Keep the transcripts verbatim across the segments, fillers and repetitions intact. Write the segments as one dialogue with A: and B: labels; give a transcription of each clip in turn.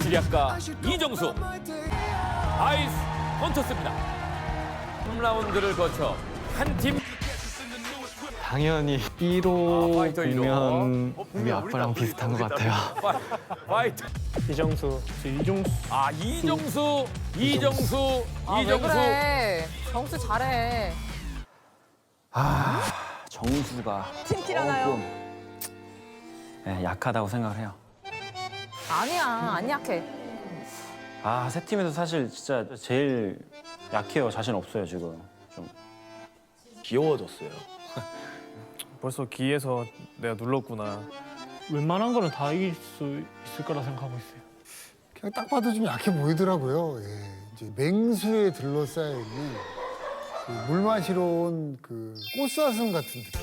A: 지략가 이정수 아이스 헌터스입니다. 삼 라운드를 거쳐 한 팀
B: 당연히 일 호
A: 아, 파이터 일 호.
B: 보면
A: 어,
B: 우리 아빠랑 비슷한 것 같아요.
A: 파이트.
B: 이정수, 이종수.
A: 아 이정수, 이정수,
C: 아, 왜
A: 이정수.
C: 그래. 정수 잘해.
D: 아, 정수가
C: 팀킬하나요?
D: 조금 네, 약하다고 생각을 해요.
C: 아니야, 안 약해.
D: 아, 세 팀에서 사실 진짜 제일 약해요. 자신 없어요, 지금. 좀
E: 귀여워졌어요.
B: 벌써 기에서 내가 눌렀구나. 웬만한 거는 다 이길 수 있을 거라 생각하고 있어요.
F: 그냥 딱 봐도 좀 약해 보이더라고요. 예. 이제 맹수에 둘러싸여 있는 그 물 마시러 온 그 꽃사슴 같은 느낌.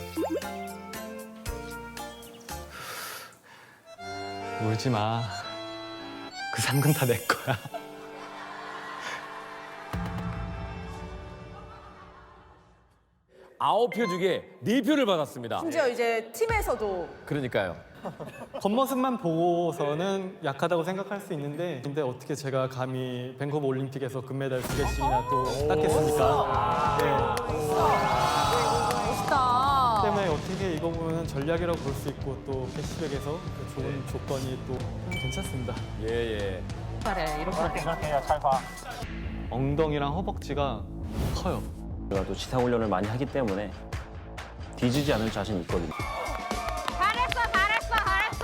B: 울지 마. 그 상금 다 내 거야.
A: 아홉 표 중에 네 표를 받았습니다.
C: 심지어 이제 팀에서도
A: 그러니까요.
B: 겉모습만 보고서는 약하다고 생각할 수 있는데 근데 어떻게 제가 감히 밴쿠버 올림픽에서 금메달 두 개씩이나 또 땄겠습니까? 네.
C: 멋있다.
B: 때문에 어떻게 이거 보면 전략이라고 볼 수 있고 또 캐시백에서 그 좋은 조건이 또 괜찮습니다.
A: 예 예.
C: 잘해, 이렇게.
B: 엉덩이랑 허벅지가 커요.
D: 제가 또 지상 훈련을 많이 하기 때문에 뒤지지 않을 자신이 있거든요.
G: 잘했어, 잘했어, 잘했어.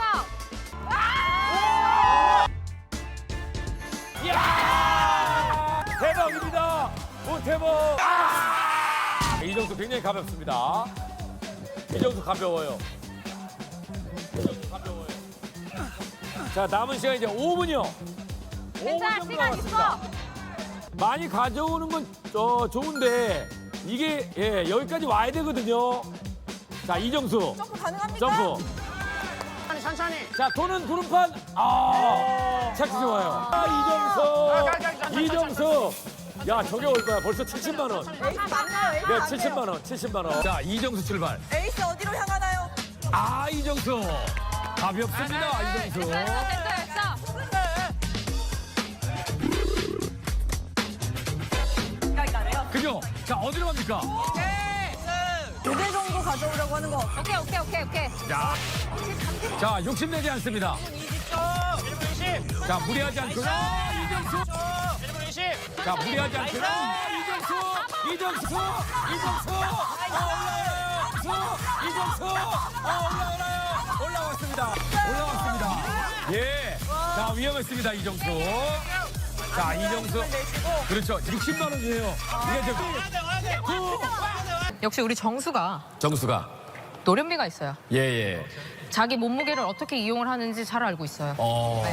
A: 야! 대박입니다. 오태범. 아! 이정수 굉장히 가볍습니다. 이정수 가벼워요. 이정수 가벼워요. 자 남은 시간 이제 오 분이요.
G: 괜찮아, 시간 있어.
A: 많이 가져오는 건 어, 좋은데 이게 예, 여기까지 와야 되거든요. 자 이정수
C: 점프 가능합니까?
A: 점프.
G: 천천히, 천천히.
A: 자 도는 구름판. 아 착지 좋아요. 아 이정수 이정수. 야 저게 올 거야. 벌써 칠십만 원.
C: 에이스 맞나요? 에이스
A: 네
C: 맞나요?
A: 칠십만 원. 칠십만 원. 자 이정수 출발.
C: 에이스 어디로 향하나요?
A: 아 이정수 가볍습니다. 이정수.
G: 됐어, 됐어.
A: 그죠? 자 어디로 갑니까?
C: 두 개 정도 가져오려고 하는 거.
G: 오케이, 오케이, 오케이, 오케이.
A: 자, 자 욕심내지 않습니다. 자 무리하지 않고요. 이정수. 자 무리하지 않고요. 이정수. 이정수. 이정수. 아, 올라와요. 이정수. 아, 올라와요. 올라왔습니다. 올라왔습니다. 예. 자 위험했습니다 이정수. 자 이정수. 그렇죠. 육십만 원이에요. 이게 저
C: 역시 우리 정수가
A: 정수가.
C: 노련미가 있어요.
A: 예 예.
C: 자기 몸무게를 어떻게 이용을 하는지 잘 알고 있어요.
A: 어.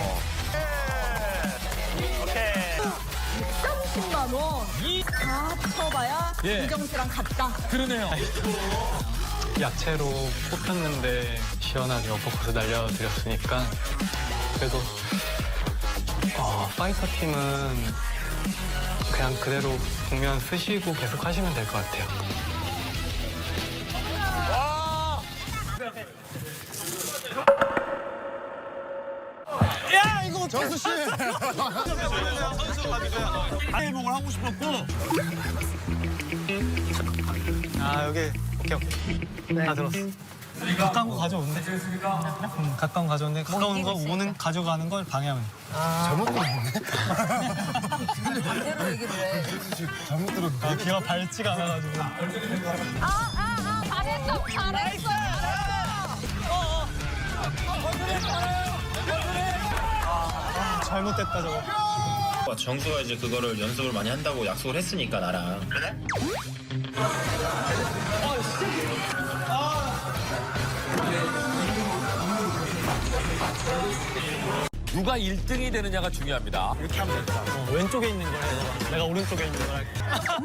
C: 삼십만 원.
A: 이.
C: 다 쳐봐야
A: 예.
C: 이정수랑 같다.
A: 그러네요.
B: 야채로 뽑혔는데 시원하게 어퍼컷을 날려드렸으니까 그래도 어, 파이터 팀은 그냥 그대로 국면 쓰시고 계속 하시면 될 것 같아요.
E: 정수 씨.
H: 회복을 하고 싶었고.
B: 아 여기 오케이 오케이 다 들었어. 가까운 거 가져온대. 응, 가까운 거 가져온대. 가까운 거 오는 가져가는 걸 방해하면.
F: 잘못 들었네.
C: 반대로 얘기를 해.
F: 잘못 들었네.
B: 아 귀가 밝지가 않아가지고.
G: 아, 아, 아, 잘했어, 잘했어.
B: 잘못됐다 저거.
H: 정수가 이제 그거를 연습을 많이 한다고 약속을 했으니까 나랑. 그래?
A: 누가 일 등이 되느냐가 중요합니다.
B: 이렇게 하면 되겠다. 어, 왼쪽에 있는 걸 해. 너가. 내가 오른쪽에 있는 걸 할게.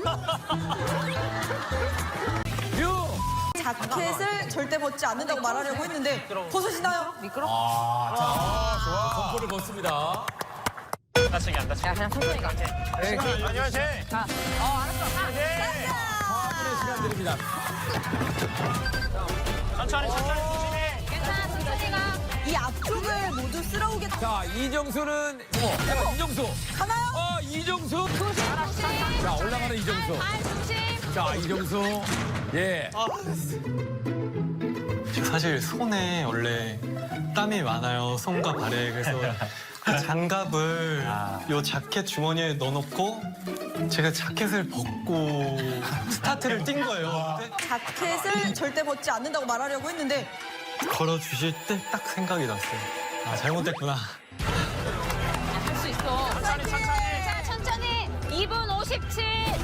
A: 유.
C: 자켓을 절대 벗지 않는다고 말하려고 했는데 벗으시나요? 미끄러?
A: 아, 자, 좋아. 선포를 벗습니다.
H: 다치게 안 다치게.
C: 야, 그냥 천천히 가.
H: 안녕하세요.
C: 자, 어, 알았어.
A: 사 분의 시간 드립니다.
H: 천천히 천천히 조심해.
G: 괜찮아, 천천히 가.
C: 이 앞쪽을 모두 쓸어오게
A: 자, 이정수는 뭐? 어, 이정수.
C: 가나요?
A: 어, 이정수. 자, 올라가는 이정수.
G: 발 중심.
A: 자, 이정수. 예.
B: 저 사실 손에 원래 땀이 많아요. 손과 발에. 그래서 그 장갑을 요 자켓 주머니에 넣어놓고 제가 자켓을 벗고 스타트를 뛴 거예요. 근데
C: 자켓을 절대 벗지 않는다고 말하려고 했는데
B: 걸어주실 때 딱 생각이 났어요. 아, 잘못됐구나.
G: 할 수 있어. 천천히, 천천히. 자, 천천히. 이 분 오십칠.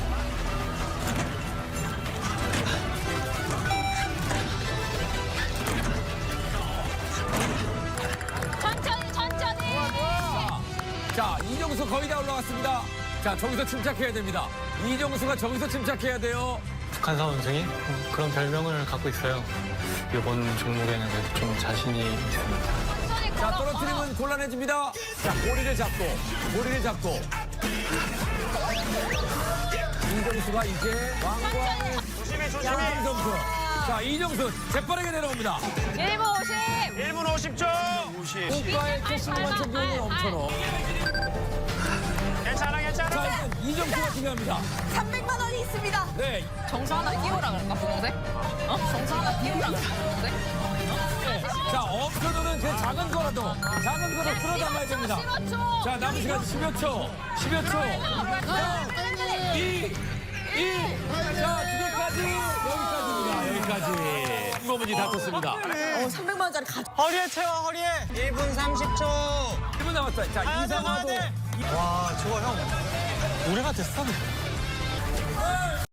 G: 천천히, 천천히.
A: 자, 이정수 거의 다 올라갔습니다. 자, 저기서 침착해야 됩니다. 이정수가 저기서 침착해야 돼요.
B: 북한 선수이 그런 별명을 갖고 있어요. 이번 종목에는 그래도 좀 자신이 있습니다.
G: 천천히
A: 자,
G: 걸어.
A: 떨어뜨리면 곤란해집니다. 자, 고리를 잡고, 고리를 잡고. 이정수가 이제 왕광
G: 천천히.
A: 조심히 점수. 자, 이정수 재빠르게 내려옵니다.
G: 일 분 오십.
E: 일 분 오십 초.
A: 고가의 캐시만 챙겨오는 엄천호.
E: 괜찮아, 괜찮아.
A: 자, 일단 이정수가 중요합니다.
C: 삼백만 원이 있습니다.
A: 네,
G: 정수 하나 끼우라 그럴까, 분홍색? 어? 정수 하나 끼우라 그럴까, 분홍색?
A: 자, 엄천호는 그 작은 거라도, 작은 거라도 풀어담아야 됩니다.
G: 십오 초.
A: 자, 남은 시간 십여 초, 십여 초. 이, 일. 자, 두 개까지. 여기까지입니다. 여기까지. 이거문이 다퉜습니다.
C: 어, 삼백만 원짜리 가.
B: 허리에 채워, 허리에. 일 분 삼십 초.
A: 일 분 남았어요. 자, 이상화도.
B: 와, 저거 형. 노래가 됐어.